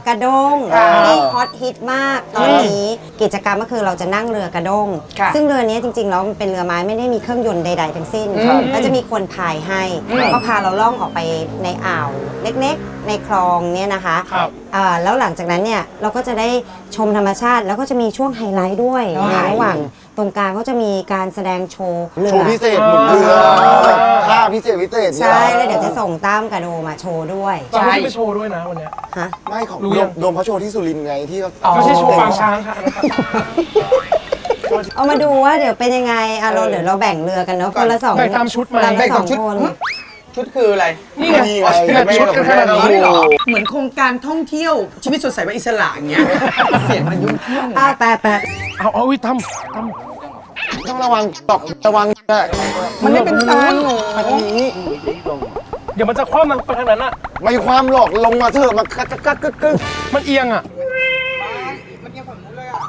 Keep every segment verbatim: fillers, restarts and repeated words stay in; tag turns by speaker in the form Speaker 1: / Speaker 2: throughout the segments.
Speaker 1: กระด้งที่ฮอตฮิตมากตอนนี้กิจกรรมก็คือเราจะนั่งเรือกระด้งซึ่งเรือนี้จริงๆแล้วมันเป็นเรือไม้ไม่ได้มีเครื่องยนต์ใดๆทั้งสิ้นก็จะมีคนพายให้ก็พาเราล่องออกไปในอ่าวเล็กๆในคลองเนี่ยนะคะแล้วหลังจากนั้นเนี่ยเราก็จะได้ชมธรรมชาติแล้วก็จะมีช่วงไฮไลท์ด้วยในระหว่างตรงกลางก็จะมีการแสดงโชว์เรือ
Speaker 2: โชว์พิเศษหมุนเรือท่าพิเศษพิเศษ
Speaker 1: ใช่แล้วเดี๋ยวจะส่งตั้มกับโดมาโชว์ด้วย
Speaker 3: ใช่ไปโชว์ด้วยนะวันนี้
Speaker 1: ฮะ
Speaker 2: ไม่ของโดมเขาโชว์ที่สุรินทร์ไงที่เขา
Speaker 3: ไม่ใช่โชว์ปางช้างค่ะ
Speaker 1: เอามาดูว่าเดี๋ยวเป็นยังไงอ่ะเราเดี๋ยวเราแบ่งเรือกันเนาะคนละสอง
Speaker 3: แบ่งตามชุดมา
Speaker 1: แบ่งสองคน
Speaker 4: ชุดคืออะไร
Speaker 3: นี่ไง
Speaker 2: ชุดกันขนาดนี้หรอ
Speaker 4: เหมือนโครงการท่องเที่ยวชีวิตสดใสว่าอิสระอย่างเงี้ยเสียงมันยุ่งขึ้น
Speaker 1: อ่ะแปะแปะ
Speaker 3: เอาเอาทำท
Speaker 2: ำต้องระวังตกระวัง
Speaker 4: มันไม่เป็นทางหนู
Speaker 2: มาทางนี้
Speaker 3: เดี๋ยวมันจะคว่ำมันไปทางนั้นอะ
Speaker 2: ไม่ความหลอกลงมาเถอะมันกักกักกึกกึก
Speaker 3: มันเอียงอะ
Speaker 4: มันเอียงฝั่งนู้นเลยอะ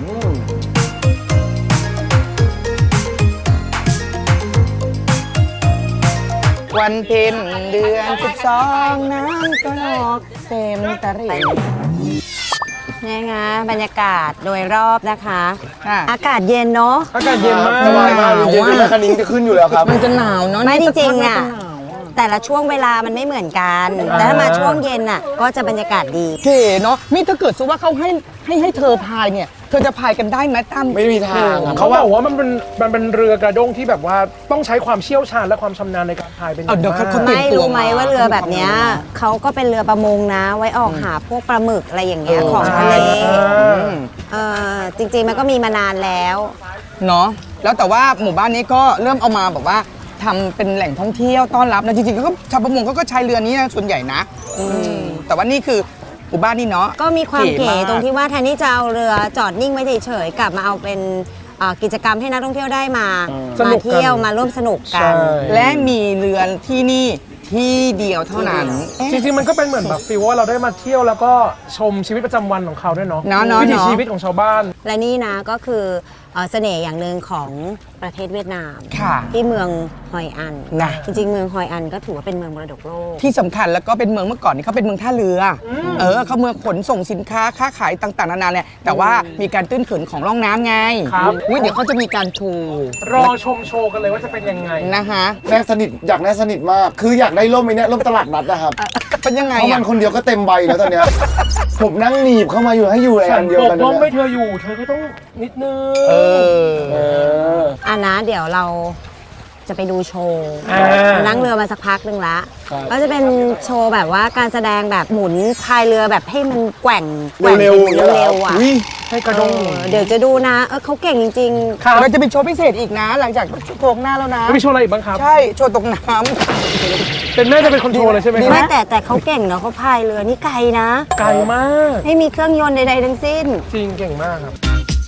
Speaker 4: วันเพ็ญเดือนสิบสองน้ำก็ออกเต็มตะลิ่ง
Speaker 1: นี่ไงบรรยากาศโดยรอบนะคะอากาศเย็นเนาะ
Speaker 3: อากาศเย็นมาก
Speaker 2: สบายมากเย็นๆแล้วคันนี้จะขึ้นอยู่แล้วครับ
Speaker 4: มันจะหนาวเนาะ
Speaker 1: ไม่จริงๆอ่ะแต่ละช่วงเวลามันไม่เหมือนกันแต่ถ้ามาช่วงเย็นน่ะก็จะบรรยากาศดี
Speaker 4: เก๋เนาะนี่ถ้าเกิดสมมติว่าเขาให้ให้ให้เธอพายเนี่ยเธอจะพายกันได้ไหมตั้ม
Speaker 2: ไม่มีทาง
Speaker 3: เขาบอกว่ามันเป็นมันเป็นเรือกระด้งที่แบบว่าต้องใช้ความเชี่ยวชาญและความชำนาญในการพายเป็นอย่างมาก
Speaker 1: ไม่รู้ไหมว่าเรือแบบนี้เขาก็เป็นเรือประมงนะไว้ออกหาพวกปลาหมึกอะไรอย่างเงี้ยของทะเลเออจริงๆมันก็มีมานานแล้ว
Speaker 4: เนาะแล้วแต่ว่าหมู่บ้านนี้ก็เริ่มเอามาแบบว่าทำเป็นแหล่งท่องเที่ยวต้อนรับนะจริงๆก็ชาวประมงก็ใช้เรือนี้นะส่วนใหญ่นะแต่ว่านี่คือหมู่บ้านนี่เนาะ
Speaker 1: ก็มีความเก๋ตรงที่ว่าแทนที่จะเอาเรือจอดนิ่งไว้เฉยๆกลับมาเอาเป็นกิจกรรมให้นักท่องเที่ยวได้มามาเที่ยวมาร่วมสนุกกัน
Speaker 4: และมีเรือที่นี่ที่เดียวเท่านั้น
Speaker 3: จริงๆมันก็เป็นเหมือนแบบฟีลว่าเราได้มาเที่ยวแล้วก็ชมชีวิตประจำวันของเขาด้วยเนาะวิถีชีวิตของชาวบ้าน
Speaker 1: และนี่นะก็คือเสน่ห์อย่างหนึ่งของประเทศเวียดนามที่เมืองฮอยอันนะจริงๆเมืองฮอยอันก็ถือว่าเป็นเมืองมรดกโลก
Speaker 4: ที่สำคัญแล้วก็เป็นเมืองเมื่อก่อนนี่เขาเป็นเมืองท่าเรือเออเขาเมืองขนส่งสินค้าค้าขายต่างๆนานาเนี่ยแต่ว่ามีการตื้นเขินของร่องน้ำไง
Speaker 3: ครับ
Speaker 4: เดี๋ยวเขาจะมีการโชว์
Speaker 3: รอชมโชว์กันเลยว่าจะเป็นยังไง
Speaker 4: นะคะ
Speaker 2: แน่สนิทอยากแน่สนิทมากคืออยากได้ร่มไอ้นี่ร่มตลาดนัดนะครับ
Speaker 4: เป็นยังไง
Speaker 2: เพราะมันคนเดียวก็เต็มใบแล้วตอนเนี้ยผมนั่งหนีบเข้ามาอยู่ให้อยู่ในอันเดียวกัน
Speaker 3: ร่มไม่เธออยู่เธอก็ต้องนิดนึง
Speaker 4: เอ
Speaker 1: ออันนะเดี๋ยวเราจะไปดูโชว์นั่งเรือมาสักพักหนึ่งละก็จะเป็นโชว์แบบว่าการแสดงแบบหมุนพายเรือแบบให้มันแกว่ง
Speaker 2: เร็ว
Speaker 1: ๆเร็วๆอ่ะ
Speaker 3: ให้กระด้ง
Speaker 1: เดี๋ยวจะดูนะเออเขาเก่งจริง
Speaker 4: ๆเราจะมีโชว์พิเศษอีกนะหลังจากโชว์หน้าแล้วนะ
Speaker 3: มีโชว์อะไรอีกบ้างครับ
Speaker 4: ใช่โชว์ตกน้
Speaker 3: ำเป็นแม่จะเป็นคนโชว์เลยใช่ไหม
Speaker 1: ไม่แต่แต่เขาเก่งเนาะเขาพายเรือนี่ไกลนะ
Speaker 3: ไกลมาก
Speaker 1: ไม่มีเครื่องยนต์ใดๆทั้งสิ้น
Speaker 3: จริงเก่งมากครับ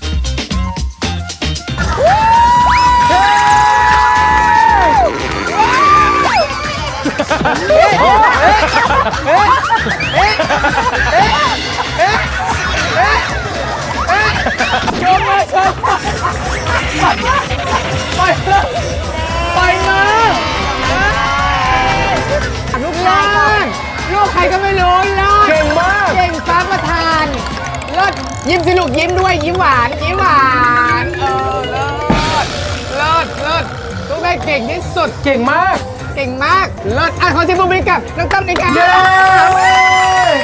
Speaker 3: ชมมาชมไปไปมา
Speaker 4: ลูกล่างลูกใครก็ไม่รู้ล่ะ
Speaker 3: เก่งมาก
Speaker 4: เก่งฟ้าประธานเลิศยิ้มสิลูกยิ้มด้วยยิ้มหวานยิ้มหวานเออเลิศเลิศเลิศลูกแม่เก่งที่สุด
Speaker 3: เก่งมาก
Speaker 4: เก่งมากเลิศอ่ะขอเสียงปรบมือกับน้องตั้มหน่อยค่ะ